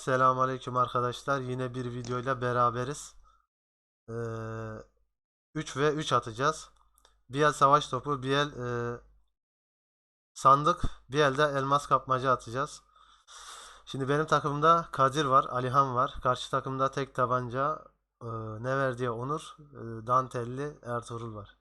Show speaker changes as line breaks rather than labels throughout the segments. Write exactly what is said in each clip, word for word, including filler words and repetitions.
Selamünaleyküm arkadaşlar. Yine bir videoyla beraberiz. Ee, üç ve üç atacağız. Bir el savaş topu, bir el e, sandık, bir el de elmas kapmaca atacağız. Şimdi benim takımda Kadir var, Alihan var. Karşı takımda tek tabanca e, ne verdiği Onur, e, Dantelli Ertuğrul var.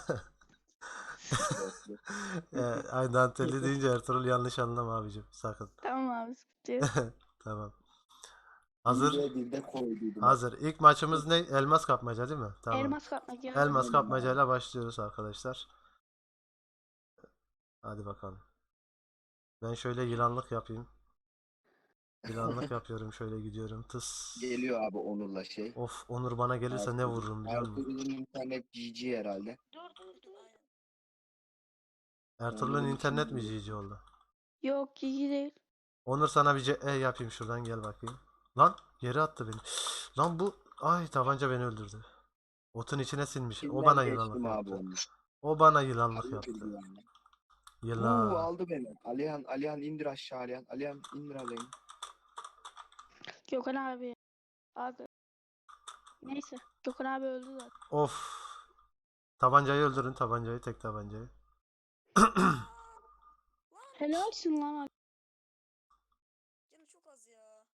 E, ay Dantelli deyince Ertuğrul yanlış anlama abicim sakın.
Tamam abi, sıkıntı yok.
Tamam.
Bir
Hazır.
de bir de koyduydum.
Hazır. İlk maçımız ne? Elmas kapmaca değil mi? Tamam.
Elmas kapmaca.
Elmas
Aynen
kapmacayla başlıyoruz arkadaşlar. Hadi bakalım. Ben şöyle yılanlık yapayım. Yılanlık yapıyorum. Şöyle gidiyorum. Tıs.
Geliyor abi Onur'la şey.
Of, Onur bana gelirse ne vururum biliyor musun?
Ertuğrul'un internet G G herhalde.
Dur dur dur.
Ertuğrul'un
Onur'un
internet mi
için
G G oldu?
Yok, Gigi değil.
Onur sana bir C E yapayım şuradan gel bakayım. Lan geri attı beni. Lan bu ay tabanca beni öldürdü. Otun içine sinmiş. O
Kimden
bana
geçtim
yılanlık
abi
yaptı.
onu?
O bana yılanlık
Hayırdır
yaptı.
yani. Uuu
Yılan.
aldı beni. Alihan, Alihan indir aşağı Alihan. Alihan indir Alihan.
Gökhan abi. Abi. Neyse. Gökhan abi öldü zaten.
Of. Tabancayı öldürün tabancayı tek tabancayı.
Helalsin lan abi.
Canı çok az ya.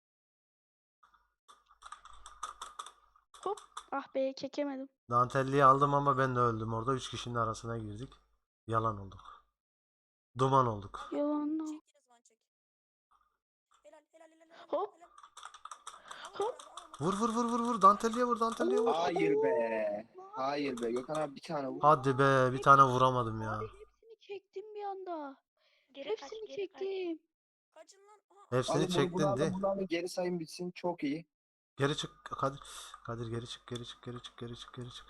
Hop. Ah be, çekemedim.
Dantelliyi aldım ama ben de öldüm orada. Üç kişinin arasına girdik. Yalan olduk. Duman olduk.
Yalan.
Çek yine zaman çek. Helal helal helal helal.
Hop.
helal.
Hop.
Vur vur vur vur vur. Dantelliye vur Dantelliye vur.
Hayır be. Hayır be. Gökhan abi bir tane vur.
Hadi be bir tane vuramadım ya.
Abi hepsini çektim bir anda.
Geri kaç,
Hepsini
geri kaç.
çektim.
Kaçın lan. Aha.
Hepsini
Alın bunu
çektin
bunu
de.
alın bunu alın. Geri sayım bitsin. Çok iyi.
Geri çık Kadir. Kadir geri çık geri çık geri çık geri çık geri çık.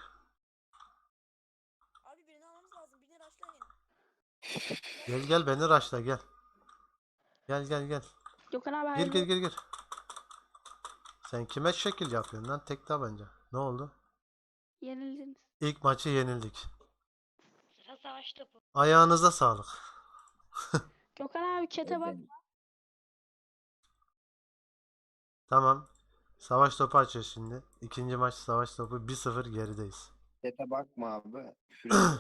Abi birini almamız lazım. Birini rushlayın.
Gel gel beni raşla gel. Gel gel gel.
Gökhan abi
Gir
hayırlı.
gir gir gir. Sen kime şekil yapıyorsun lan tek tabanca. Ne oldu?
Yenildiniz.
İlk maçı yenildik.
Sıra savaş topu.
Ayağınıza sağlık.
Gökhan abi çete bak.
Tamam. Savaş topu açıyor şimdi. İkinci maç savaş topu bir sıfır gerideyiz.
Sete bakma abi. Küfür ediyor.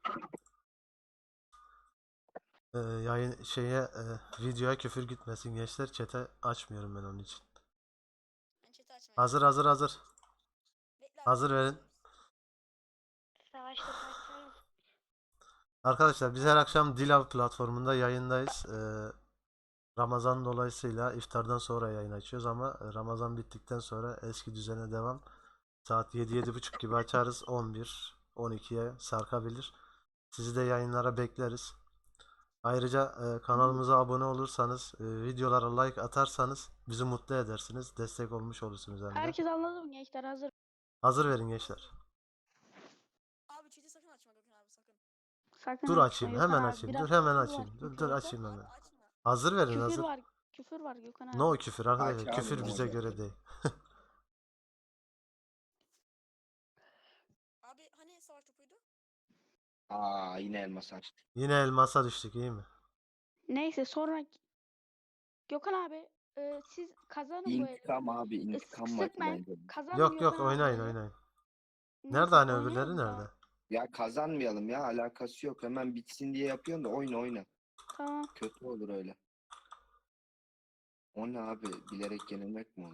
Ee, yayın şeye e, videoya küfür gitmesin gençler. Chat'e açmıyorum ben onun için.
Ben chat'i açmayayım.
Hazır hazır hazır.
Bekle abi,
Hazır verin.
Savaş topu açsanız.
Arkadaşlar biz her akşam Dilav platformunda yayındayız. Ee, Ramazan dolayısıyla iftardan sonra yayın açıyoruz ama Ramazan bittikten sonra eski düzene devam. Saat yedi yedi buçuk gibi açarız. on bir on ikiye sarkabilir. Sizi de yayınlara bekleriz. Ayrıca e, kanalımıza abone olursanız, e, videolara like atarsanız bizi mutlu edersiniz. Destek olmuş olursunuz hem de.
Herkes anladı mı gençler? Hazır.
Hazır verin gençler.
Abi chat'i sakın açma Gökhan abi sakın.
Sakın
Dur
açma
açayım,
Gökhan
hemen
abi.
açayım.
Biraz
Dur hemen
küfür var,
açayım. Dur
küfür
dur
var.
açayım hemen.
Abi açma.
Hazır verin
Küfür
hazır.
var. Küfür var Gökhan abi.
Ne o küfür arkadaşlar?
Aç abi,
Küfür
ne
bize
olacak?
göre değil.
Abi hani savaş topuydu?
Aa yine elmas açtı.
Yine elmasa düştük iyi mi?
Neyse sonra Gökhan abi e, siz kazanın bu eli.
İntikam abi.
E,
İntikam
sık-
maçı
sıkmayın.
bence.
Kazanın
Yok yok
Gökhan abi
oynayın
eli.
oynayın.
Neyse,
Nerede hani
oynayalım
öbürleri
ya.
nerede?
Ya kazanmayalım ya. Alakası yok. Hemen bitsin diye yapıyorsun da oyna oyna.
Tamam.
Kötü olur öyle. O ne abi? Bilerek yenilmek mi olur?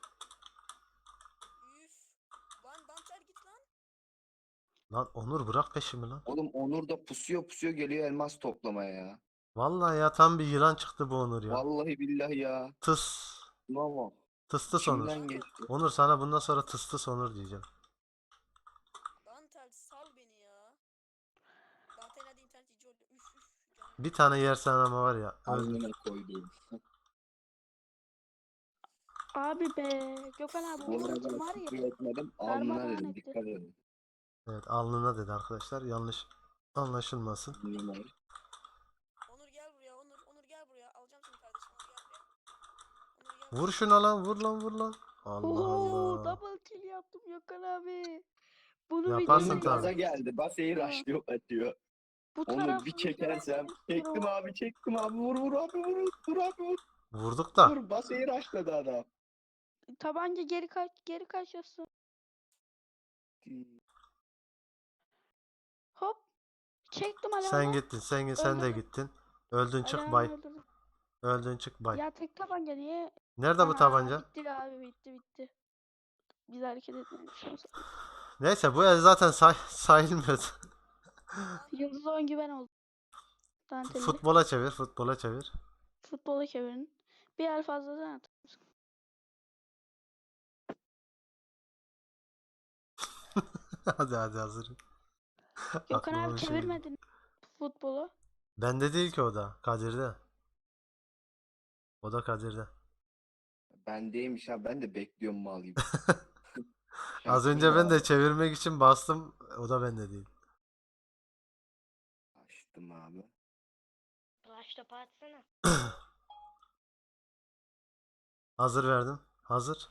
Üf. Lan Dantel git lan.
Lan Onur bırak peşimi lan.
Oğlum Onur da pusuyor pusuyor geliyor elmas toplamaya ya.
Vallahi ya tam bir yılan çıktı bu Onur ya.
Vallahi billahi ya.
Tıs.
Bravo.
Tıstıs Onur.
İçimden geçti.
Onur sana bundan sonra tıstıs Onur diyeceğim.
Dantel sal beni ya. Dantel hadi internet iyice oldu. Üf üf. Canım.
Bir tane yersen ama var ya öldür.
Alnına koyduğum.
Abi be. Gökhan abi
Bu
bu
arada
ultim var
küfür
ya.
etmedim. Alnına
Darmadağın
dedim.
etti.
Dikkat edin.
Evet alnına dedi arkadaşlar. Yanlış anlaşılmasın.
Alnına.
Onur gel buraya Onur. Onur gel buraya. Alacağım seni kardeşim. Onur gel buraya. Onur gel
Vur şuna lan vur lan vur lan. Allah
Oho,
Allah.
double kill yaptım Gökhan abi. Bunu
Yaparsın
videoya
Onur gaza
tabii.
geldi. Baseyi
Tamam.
raşlıyor atıyor.
Bu
Onur bir
tarafını
çekersem.
söylemek
Çektim
istiyorum.
abi çektim abi. Vur vur abi vur. Vur abi vur.
Vurduk da.
Dur basayı raşladı adam.
Tabanca geri kaç geri kaçıyorsun. Hop. Çektim
Sen
Alihan'ı.
gittin. Sen sen de
Öldürdüm.
gittin. Öldün çık
Alihan'ı
bay.
öldürdüm.
Öldün çık bay.
Ya tek tabanca niye?
Nerede bu
Ana
tabanca?
bitti abi bitti bitti. Biz hareket etmemişiz.
Neyse bu el zaten say sayılmıyordu.
Yıldız oyuncu ben oldum. Dantelli.
Futbola çevir, futbola çevir.
Futbola çevirin. Bir el fazladan at.
Hadi hadi hazırım.
Gökhan
Aklıma
abi
bir şey geldi.
çevirmedin futbolu.
Bende değil ki o da. Kadir'de. O da Kadir'de.
Bendeymiş ha, ben de bekliyorum mal gibi.
Az önce ben de çevirmek için bastım. O da bende değil.
Açtım abi.
Flash topu atsana.
Hazır verdim. Hazır.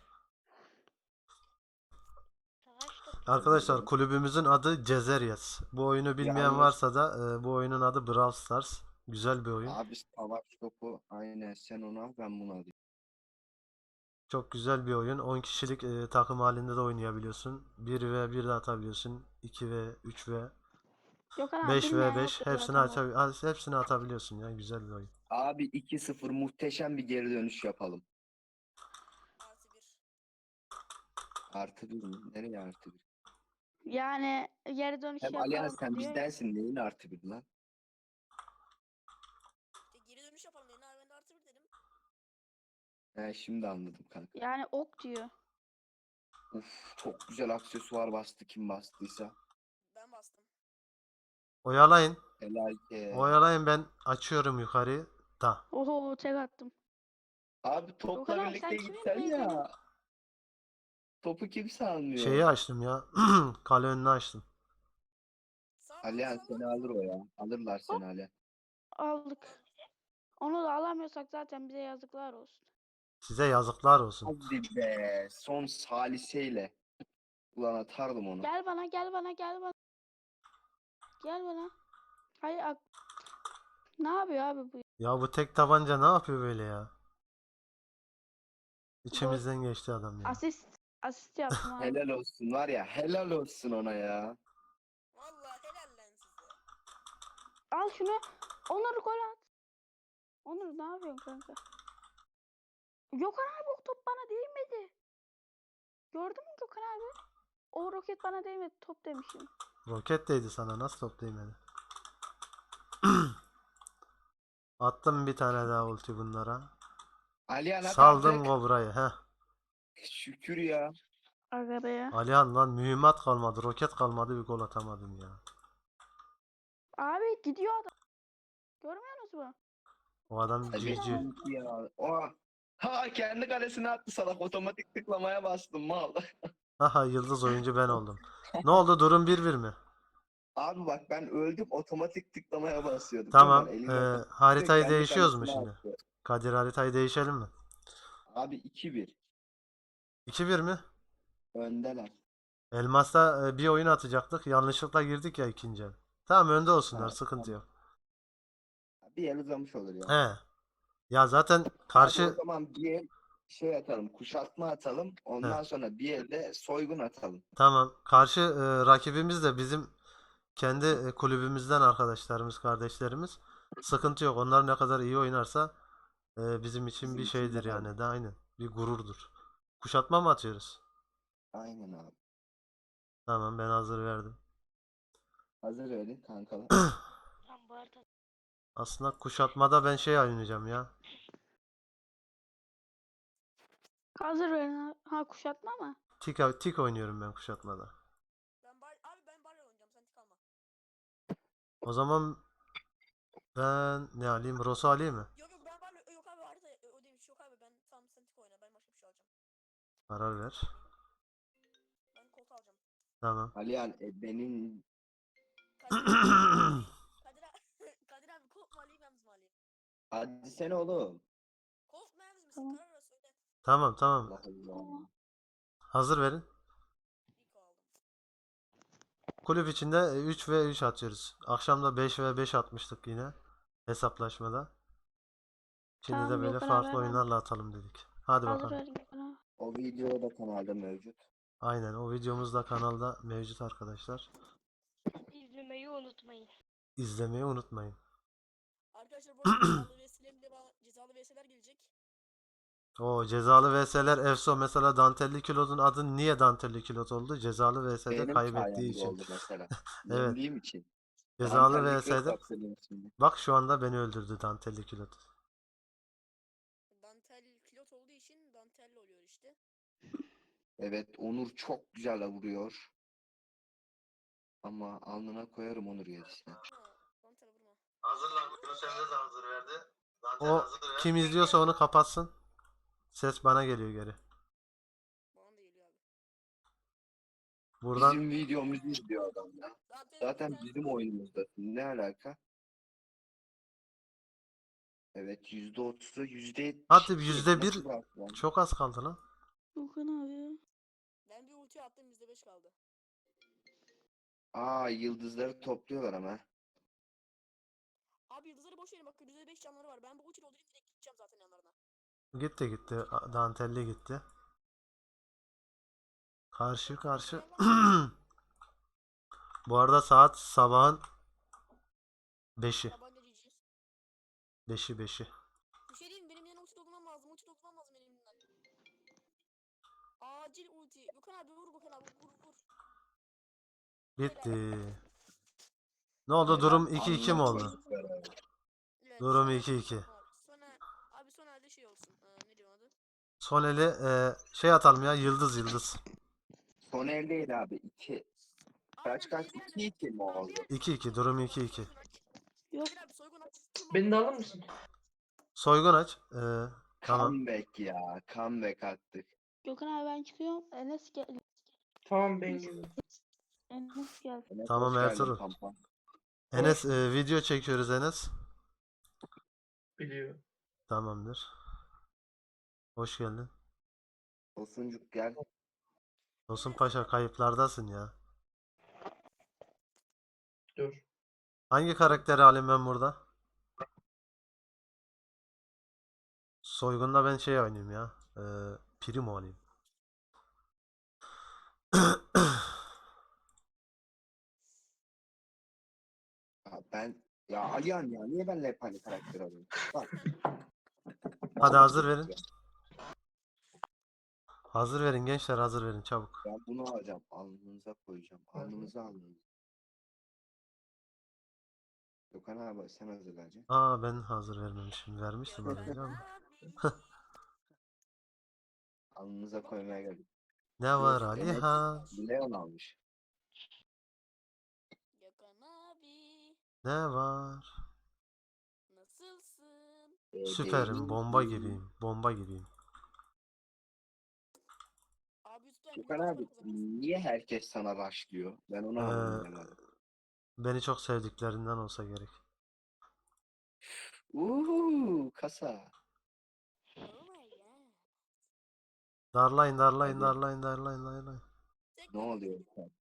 Flash topu.
Arkadaşlar kulübümüzün adı Cezeryes. Bu oyunu bilmeyen
Yalnız-
varsa da e, bu oyunun adı Brawl Stars. Güzel bir oyun.
Abi savaş topu aynen, sen onu al ben bunu alayım.
Çok güzel bir oyun. on kişilik e, takım halinde de oynayabiliyorsun. bir ve bir de atabiliyorsun. iki ve üç ve
Gökhan abi
beş
bilmeyen
ve beş
yoktur
hepsini
zaten bu.
açabil hepsini atabiliyorsun ya. Güzel bir oyun.
Abi iki sıfır muhteşem bir geri dönüş yapalım.
Artı bir.
Artı bir mi? Nereye artı bir?
Yani geri dönüş
Hem Aliana
yapalım
sen
diyor ya.
bizdensin, neyin artı bir lan?
İşte geri dönüş yapalım dedin abi ben de artı bir dedim.
He şimdi anladım kanka.
Yani ok diyor.
Uf, çok güzel aksesuar bastı kim bastıysa.
Ben bastım.
Oyalayın.
Helal ki.
Oyalayın ben açıyorum yukarıyı. Da.
Oho tek attım.
Abi topla
kadar,
birlikte
sen
gitsen
kimin
ya. Topu kimse almıyor.
Şeyi açtım ya. Kale önünü açtım.
Sağ ol,
Alihan
sağ ol.
seni alır o ya. Alırlar seni Ali.
Aldık. Onu da alamıyorsak zaten bize yazıklar olsun.
Size yazıklar olsun.
Hadi be. Son saliseyle. Ulan atardım onu.
Gel bana gel bana gel bana. Gel bana. Hayır ak- ne yapıyor abi bu?
Ya bu tek tabanca ne yapıyor böyle ya? İçimizden geçti adam ya.
Asist. Asist yaptım abi.
Helal olsun var ya. Helal olsun ona ya.
Vallahi helal lan size.
Al şunu. Onur gol at. Onur ne yapıyorsun kanka? Gökhan abi o top bana değmedi. Gördün mü Gökhan abi? O roket bana değmedi. Top demişim.
Roket değdi sana. Nasıl top değmedi? Attım bir tane daha ulti bunlara.
Alihan at
Saldım
artık.
Kobra'yı. Heh.
Şükür ya.
Aga be ya.
Alihan lan mühimmat kalmadı. Roket kalmadı. Bir gol atamadım ya.
Abi gidiyor adam. Görmüyor musun bu?
O adam
Evet,
cici.
ya. Oha. Ha kendi kalesine attı salak. Otomatik tıklamaya bastım mal.
Haha yıldız oyuncu ben oldum. Ne oldu? Durum bir bir mi?
Abi bak ben öldüm, otomatik tıklamaya basıyordum.
Tamam.
Hemen
Ee,
elimde
haritayı
kendi
değişiyoruz mu
kalesine
şimdi?
attı.
Kadir haritayı değişelim mi?
Abi iki bir.
iki bir mi?
Öndeler.
Elmas'ta e, bir oyun atacaktık. Yanlışlıkla girdik ya ikinci el. Tamam önde olsunlar.
Ha,
Sıkıntı yok.
Bir el uzamış olur ya.
He. Ya zaten
Abi o
karşı
zaman bir el şey atalım, kuşatma atalım. Ondan sonra bir elde soygun atalım.
tamam. Karşı e, rakibimiz de bizim kendi e, kulübümüzden arkadaşlarımız, kardeşlerimiz. Sıkıntı yok. Onlar ne kadar iyi oynarsa e, bizim için
Bizim
bir
için
şeydir
de
yani. De aynen. Bir gururdur. Kuşatma mı atıyoruz?
Aynen abi.
Tamam ben hazır verdim.
Hazır verin kankalar.
Lan bu arada
Aslında kuşatmada ben şey oynayacağım ya.
Hazır verin. ha- Ha kuşatma mı?
Tik, tik oynuyorum ben kuşatmada.
Ben bar abi ben barla oynayacağım sen tik alma.
O zaman ben ne alayım? Rosa alayım mı?
Yok yok ben barla yok abi harita o demiş yok abi ben tamam sen tik oyna ben başka bir şey alacağım.
Karar ver.
Ben kolt alacağım.
Tamam.
Alihan e, benim
Kadir abi Kadir abi Kadir abi kolt mu alayım yalnız mı alayım?
hadi sen oğlum.
Kolt mu yalnız mısın?
Tamam.
Karar ver söyle.
Tamam tamam.
Allah Allah.
Hazır verin.
İlk o aldım.
Kulüp içinde üç ve üç atıyoruz. Akşam da beş ve beş atmıştık yine. Hesaplaşmada. Şimdi de
Tamam,
böyle
Gökhan abi
farklı
hemen
oyunlarla atalım dedik. Hadi
hazır
bakalım.
ver Gökhan abi.
O video da kanalda mevcut.
Aynen, o videomuz da kanalda mevcut arkadaşlar.
İzlemeyi unutmayın.
İzlemeyi unutmayın.
Arkadaşlar bu arada cezalı V S'lerin de ba- cezalı V S'ler gelecek.
O cezalı V S'ler Efso, mesela dantelli kilodun adı niye dantelli kilot oldu? Cezalı V S'de
Benim
kaybettiği
sayemde
için.
oldu mesela.
Evet.
Yendiğim için.
Cezalı
Dantelli kök
V S'de.
yaptırdım şimdi.
Bak şu anda beni öldürdü dantelli kilot.
Dantel kilot olduğu için dantelli oluyor işte.
Evet, Onur çok güzel vuruyor. Ama alnına koyarım Onur yerisine.
Ha, dantel vurma.
Hazırlan. Yunus Emre de hazır verdi. O kim izliyorsa onu kapatsın. Ses bana geliyor geri.
Bana da geliyor abi.
Buradan
Bizim videomuzu izliyor adam ya.
Dantel
Zaten
dantel.
bizim oyunumuzda. Ne alaka? Evet, yüzde otuzu yüzde yetmiş.
hadi yüzde bir,
Nasıl bıraktı lan?
çok az kaldı lan.
Gökhan abi.
Ben bir ulti attım yüzde beş kaldı.
Aa, yıldızları topluyorlar ama.
Abi yıldızları boş verin bak yüzde beş canları var. Ben bu ulti doldurayım direkt gideceğim zaten yanlarına.
Gitti gitti. A- Dantelli gitti. Karşı karşı. Bu arada saat sabahın beşi.
Tabanca ciciyiz.
beşi beşi.
Bir şey diyeyim mi? Benim yanına ulti doldurmam lazım. Ulti doldurmam lazım benim elimden. Acil ulti. Gökhan abi vur Gökhan abi vur vur.
Gitti. Ne oldu? Durum iki iki mi
Alnına
oldu?
koyduklar abi.
Evet,
Durum
sonra-
iki iki.
Sonra abi son elde şey olsun. Ee, ne diyor adı?
Son eli e, şey atalım ya, yıldız yıldız.
Son eldeydi abi. İki. Kaç
Aynen,
kaç?
bir- bir
iki iki mi oldu?
iki iki, durum iki iki.
Yok.
Gökhan abi soygun aç.
Beni de alır mısın?
Soygun aç. E, tamam.
Comeback ya. Comeback attık.
Gökhan abi ben çıkıyorum. Enes gel.
Tamam ben geliyorum.
Enes gel.
Enes,
Tamam,
hoş geldin
Ertuğrul.
Pampa.
Enes, e, video çekiyoruz Enes.
Biliyor.
Tamamdır. Hoş geldin.
Tosuncuk gel.
Tosun Paşa, kayıplardasın ya.
Dur.
Hangi karakteri alayım ben burada? Soygun'da ben şey oynayayım ya. E, Primo alayım.
Ya ben ya Alihan ya niye benimle hep aynı karakter alıyorum? Bak.
Hadi hazır verin. Hazır verin gençler, hazır verin çabuk.
Ben bunu alacağım. Alnınıza koyacağım. Alnınıza alnınıza. Gökhan abi sen hazırlayacaksın.
Aa, ben hazır vermemişim. Vermiştim az önce ama.
Alnınıza koymaya geldik.
Ne var
Yok, Enes
Alihan?
Leon almış.
Gökhan abi
Ne var?
nasılsın?
Süperim, bomba gibiyim. Bomba gibiyim.
Abi YouTube'da
Gökhan
YouTube'da
abi
o zaman.
niye herkes sana başlıyor? Ben onu
Ee,
anlayamadım.
Beni çok sevdiklerinden olsa gerek.
Uuu kasa.
Oh my god.
Darlayın, darlayın,
Hadi.
darlayın, darlayın, darlayın.
Ne oluyor?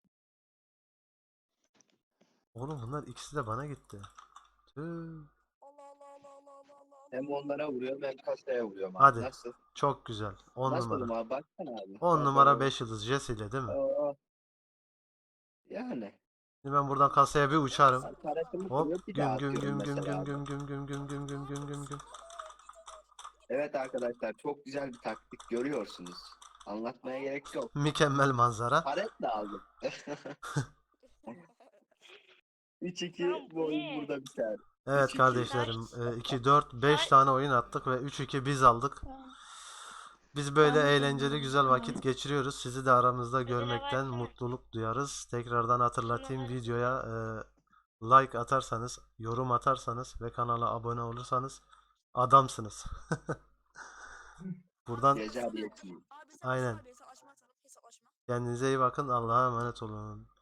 Oğlum bunlar ikisi de bana gitti. Tüh.
Allah Allah Allah Allah Allah Allah.
Hem onlara vuruyorum hem kasaya vuruyorum abi.
Hadi.
Nasıl?
Çok güzel. on
Nasıl
numara.
abi? Baksana abi.
on
Bak,
numara
bak,
beş yıldız Jesse ile değil mi?
bak. Aa. Yani.
Şimdi ben buradan kasaya bir uçarım.
Karakterimi
Hop,
koyup bir daha
güm güm
atıyorum
güm güm
mesela
güm
abi.
güm güm güm güm güm güm güm güm.
Evet arkadaşlar çok güzel bir taktik görüyorsunuz. Anlatmaya gerek yok.
Mükemmel manzara.
Paretle aldım. üç iki
Tamam,
bu oyun
ne?
burada biter.
Evet
üç iki.
kardeşlerim, iki dört beş tane oyun attık ve üç iki biz aldık.
Tamam.
Biz böyle
Ben de
eğlenceli
seviyorum.
güzel vakit geçiriyoruz. Sizi de aramızda görmekten
versene.
mutluluk duyarız. Tekrardan hatırlatayım,
Şunu ver.
videoya e, like atarsanız, yorum atarsanız ve kanala abone olursanız adamsınız. Buradan
Gece abiyetliyim.
Abi sen
Aynen.
Aynen. Hesaplaşma atalım hesaplaşma.
kendinize iyi bakın. Allah'a emanet olun.